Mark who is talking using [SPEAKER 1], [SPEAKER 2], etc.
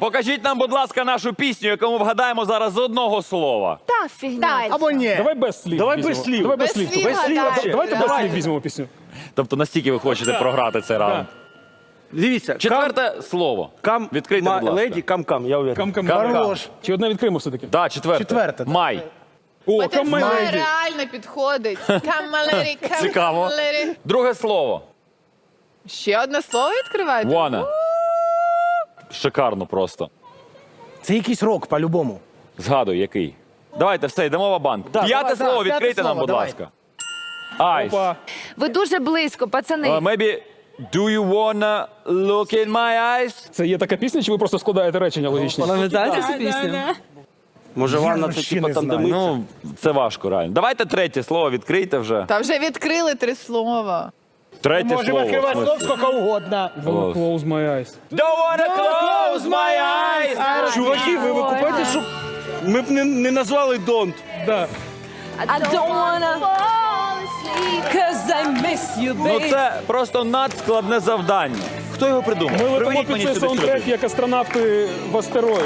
[SPEAKER 1] покажіть нам, будь ласка, нашу пісню, яку ми вгадаємо зараз з одного слова.
[SPEAKER 2] Та фігня.
[SPEAKER 3] Або ні.
[SPEAKER 4] Давай без слів.
[SPEAKER 5] Давай
[SPEAKER 4] візьмемо.
[SPEAKER 5] без слів.
[SPEAKER 4] Давай без
[SPEAKER 2] Без
[SPEAKER 4] слів.
[SPEAKER 2] слів
[SPEAKER 4] Без слів.
[SPEAKER 2] гадаємо.
[SPEAKER 4] Давайте без
[SPEAKER 2] Давайте.
[SPEAKER 4] слів візьмемо пісню.
[SPEAKER 1] Тобто настільки ви хочете програти цей раунд.
[SPEAKER 5] Дивіться,
[SPEAKER 1] Четверте слово.
[SPEAKER 5] кам,
[SPEAKER 1] Відкрийте, будь ласка.
[SPEAKER 5] леді, кам-кам, я уверен.
[SPEAKER 4] Кам-кам.
[SPEAKER 3] Хорош.
[SPEAKER 4] Чи одне відкриємо все-таки?
[SPEAKER 1] Так, четверте.
[SPEAKER 3] Четверте.
[SPEAKER 1] Май.
[SPEAKER 4] О,
[SPEAKER 2] Це
[SPEAKER 4] камеледі.
[SPEAKER 2] реально підходить. Камалері,
[SPEAKER 1] Цікаво.
[SPEAKER 2] камалері.
[SPEAKER 1] Друге слово.
[SPEAKER 2] Ще одне слово відкриваєте?
[SPEAKER 1] Вона. Шикарно просто.
[SPEAKER 3] Це якийсь рок, по-любому.
[SPEAKER 1] Згадуй, який. Давайте, все, йдемо в банк. П'яте
[SPEAKER 3] давай,
[SPEAKER 1] слово,
[SPEAKER 3] п'яте
[SPEAKER 1] відкрийте нам,
[SPEAKER 3] слово,
[SPEAKER 1] будь
[SPEAKER 3] давай.
[SPEAKER 1] ласка. Айс.
[SPEAKER 4] Опа.
[SPEAKER 6] Ви дуже близько, пацани.
[SPEAKER 1] Maybe, do you wanna look in my eyes?
[SPEAKER 4] Це є така пісня, чи ви просто складаєте речення логічні?
[SPEAKER 7] Пам'ятаєте цю пісню?
[SPEAKER 5] Може, Ванна це
[SPEAKER 3] вообще
[SPEAKER 5] типа
[SPEAKER 3] не
[SPEAKER 5] там, де
[SPEAKER 3] знаю.
[SPEAKER 5] миться?
[SPEAKER 1] Ну, це важко, реально. Давайте третє слово відкрийте вже.
[SPEAKER 2] Та вже відкрили 3 слова.
[SPEAKER 1] Третє
[SPEAKER 3] Можемо
[SPEAKER 1] слово.
[SPEAKER 3] відкривати
[SPEAKER 1] в
[SPEAKER 3] слов
[SPEAKER 1] смислі.
[SPEAKER 3] скільки угодно.
[SPEAKER 4] Close my eyes.
[SPEAKER 1] Don't wanna close my eyes.
[SPEAKER 5] Чуваки, ви викупаєте, що ми б не назвали Don't.
[SPEAKER 4] Да.
[SPEAKER 6] I don't wanna fall asleep, 'cause I miss you,
[SPEAKER 1] Ну
[SPEAKER 6] baby.
[SPEAKER 1] це просто надскладне завдання. Хто його придумав?
[SPEAKER 4] Ми летимо
[SPEAKER 1] Приведіть
[SPEAKER 4] під
[SPEAKER 1] мені
[SPEAKER 4] цей
[SPEAKER 1] сюди
[SPEAKER 4] саундтрек,
[SPEAKER 1] сюди.
[SPEAKER 4] як астронавти в астероїд.